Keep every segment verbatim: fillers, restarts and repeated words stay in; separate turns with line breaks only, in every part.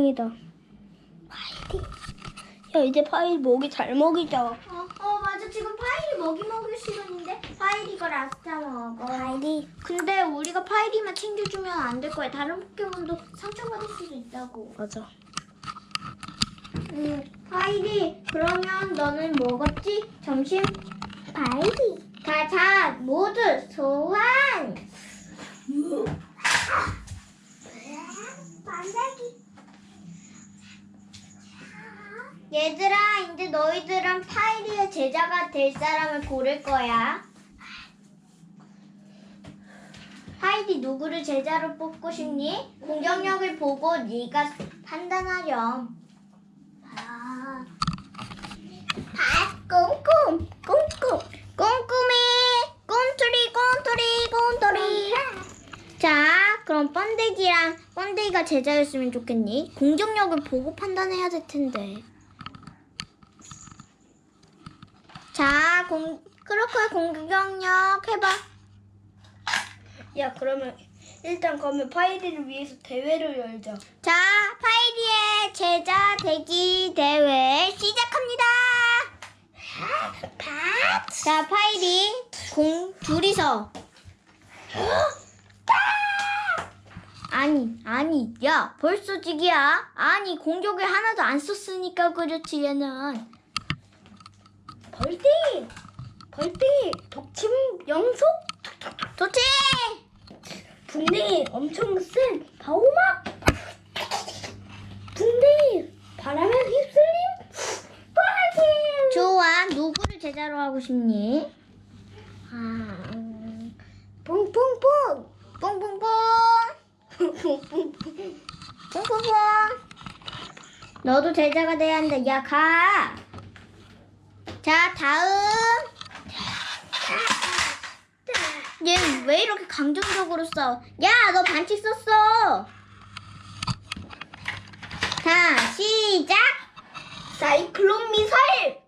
아니다. 파이리. 야, 이제 파이리 먹이 잘 먹이자.
어, 어 맞아. 지금 파이리 먹이 먹을 시간인데 파이리가 라스타 먹어.
파이리.
근데 우리가 파이리만 챙겨주면 안 될 거야. 다른 포켓몬도 상처받을 수도 있다고.
맞아.
응, 파이리. 그러면 너는 먹었지? 점심? 파이리. 자, 자, 모두 소환. 반짝이. 얘들아, 이제 너희들은 파이리의 제자가 될 사람을 고를 거야. 파이리 누구를 제자로 뽑고 싶니? 공격력을 보고 네가 판단하렴. 아, 아, 꼼꼼, 꼼꼼, 꼼꼼히, 꼼투리, 꼼투리, 꼼투리. 자, 그럼 번데기랑 번데기가 제자였으면 좋겠니? 공격력을 보고 판단해야 될 텐데. 자, 공, 크로커의 공격력 해봐.
야, 그러면 일단 그러면 파이리를 위해서 대회를 열자.
자, 파이리의 제자 되기 대회 시작합니다. 자, 파이리 공 둘이서. 아니, 아니, 야, 벌써 지기야. 아니, 공격을 하나도 안 썼으니까 그렇지, 얘는.
벌떼! 벌떼! 독침 영속!
좋지?
분댕이 엄청 센 바오막! 분댕이 바람에 휩쓸림! 파이팅!
좋아, 누구를 제자로 하고 싶니?
아, 음, 뿡뿡뿡!
뽕뽕뽕!
뿡뿡뿡!
뽕뽕뽕! 너도 제자가 돼야 한다. 야, 가! 자, 다음! 얘 왜 이렇게 감정적으로 싸워? 야, 너 반칙 썼어! 자, 시작!
사이클론 미사일!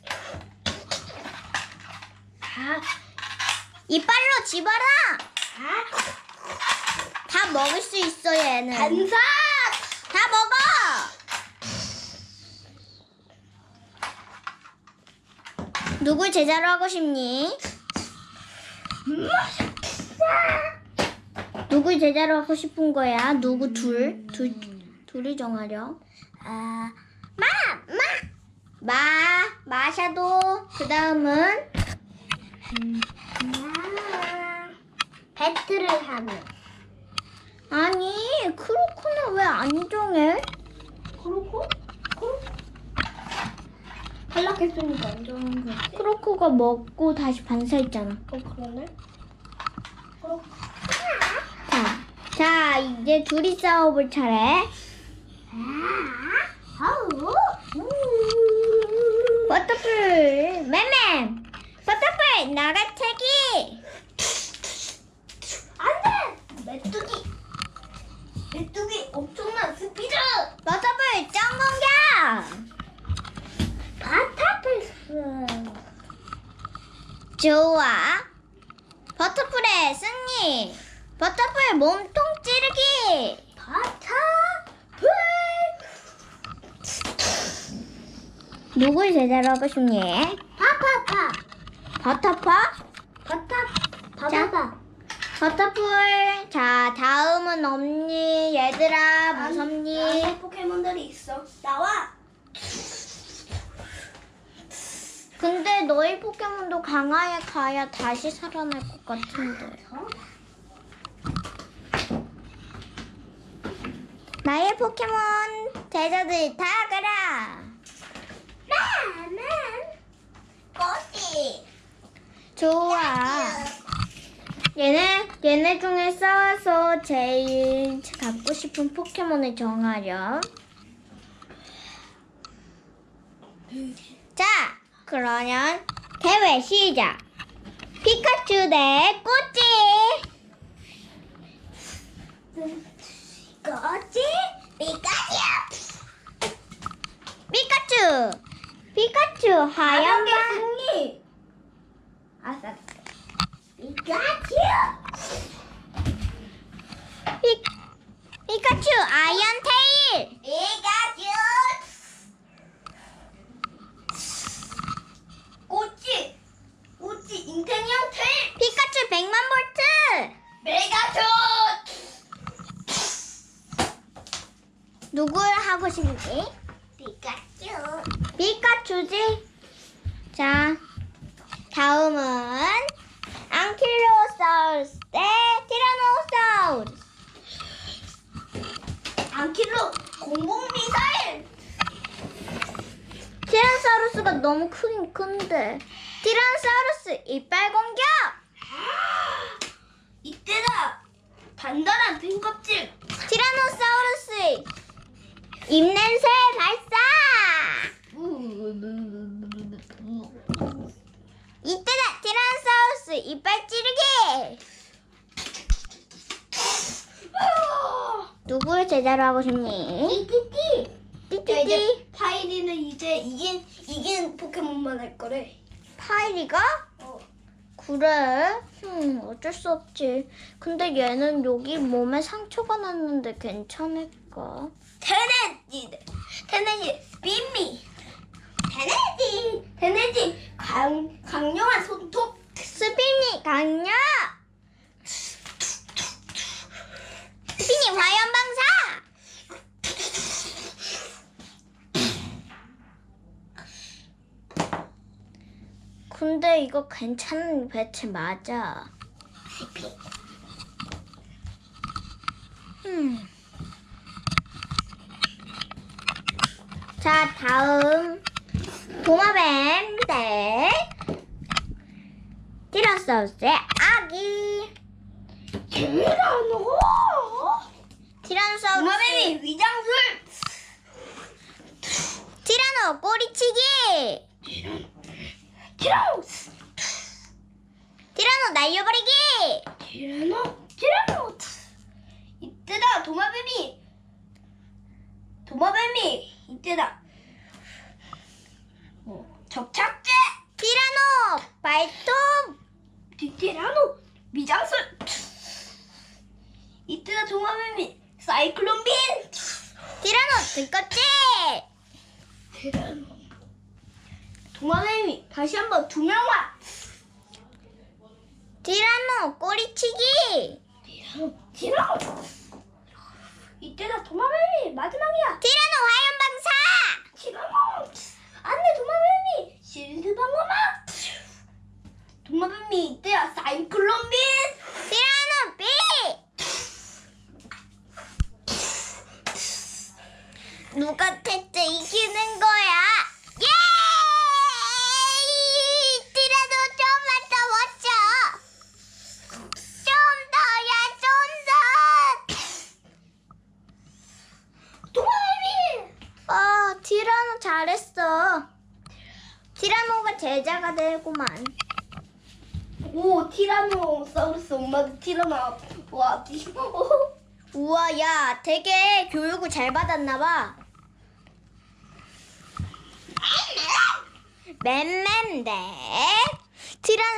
아,
이빨로 집어라!
아,
다 먹을 수 있어, 얘는.
반사!
다 먹어! 누굴 제자로 하고 싶니? 누굴 제자로 하고 싶은 거야? 누구 둘? 둘, 둘이 정하렴.
아,
마! 마! 마! 마샤도. 그 다음은?
아, 배틀을 하면.
아니, 크로코는 왜 안 정해?
그렇고? 그렇고? 탈락했으니까 안 좋은 거지.
크로코가 먹고 다시 반사했잖아.
어, 그러네? 그렇고.
자, 자, 이제 둘이 싸워볼 차례.
아, 아우.
버터풀, 맴맴. 버터풀, 나가채기.
안 돼! 메뚜기! 메뚜기 엄청난 스피드!
버터풀, 짱 공격.
바타플스!
좋아. 버터풀의 승리. 버터풀 몸통 찌르기.
바타플!
누굴 제자로 하고 싶니?
파파파!
버터파?
바타,
자.
바바바!
버터풀. 자, 다음은 없니? 얘들아, 무섭니?
안에 포켓몬들이 있어. 나와!
근데 너희 포켓몬도 강화에 가야 다시 살아날 것 같은데. 나의 포켓몬 제자들 다 가라.
나는 꼬치!
좋아. 얘네 얘네 중에 싸워서 제일 갖고 싶은 포켓몬을 정하렴. 자, 그러면 대회 시작. 피카츄 대 꼬치.
꼬치! 피카츄!
피카츄. 피카츄 하얀
하얀게
방.
승리! 아싸. 피카츄!
피, 피카츄 아이언 테일.
피카츄!
누굴 하고 싶니?
피카츄.
피카츄지? 자, 다음은 앙킬로사우루스 대 티라노사우루스.
안킬로 공공 미사일.
티라노사우루스가 너무 크긴 큰데. 티라노사우루스 이빨 공격!
이때다. 단단한 빈 껍질.
티라노사우루스 입냄새 발사! 이때다! 티라노사우루스 이빨 찌르기! 누구를 제자로 하고 싶니?
띠띠띠.
띠띠띠.
이제 파이리는 이제 이긴 이긴 포켓몬만 할 거래.
파이리가?
어.
그래? 음, 어쩔 수 없지. 근데 얘는 여기 몸에 상처가 났는데 괜찮을까?
테네지. 테네지. 빈미. 테네지. 테네지. 강 강력한 손톱.
스피니 강력! 스피니 화염방사! 근데 이거 괜찮은 배치 맞아. 음. 자, 다음 도마뱀 대 티라노사우루스의 아기.
티라노.
티라노사우루스.
도마뱀이 위장술.
티라노 꼬리치기.
티라노.
티라노 날려버리기.
티라노. 티라노. 이때다 도마뱀이. 도마뱀이 이때다. 어, 접착제.
티라노 발톱.
티라노 미장술. 이때다 도마뱀이 사이클론빈.
티라노 등껍질.
티라노. 도마뱀이 다시 한번 두 명화.
티라노 꼬리치기.
티라노. 티라노. 이때다 도마뱀이 마지막이야.
티라노 화염방사.
티라노. 안돼 도마뱀이 실드 방어막. 도마뱀이 이때야 사이클론빈.
티라노 비. 누가 대체 이기는 거야? 예! 티라노 좀만 더 멋져. 좀 더야 좀 더.
도마뱀이.
아, 티라노 잘했어. 티라노가 제자가 되구만.
오 티라노사우루스 엄마도 티라노. 와 티.
우와, 야, 되게 교육을 잘 받았나 봐. 맴맴대 티라노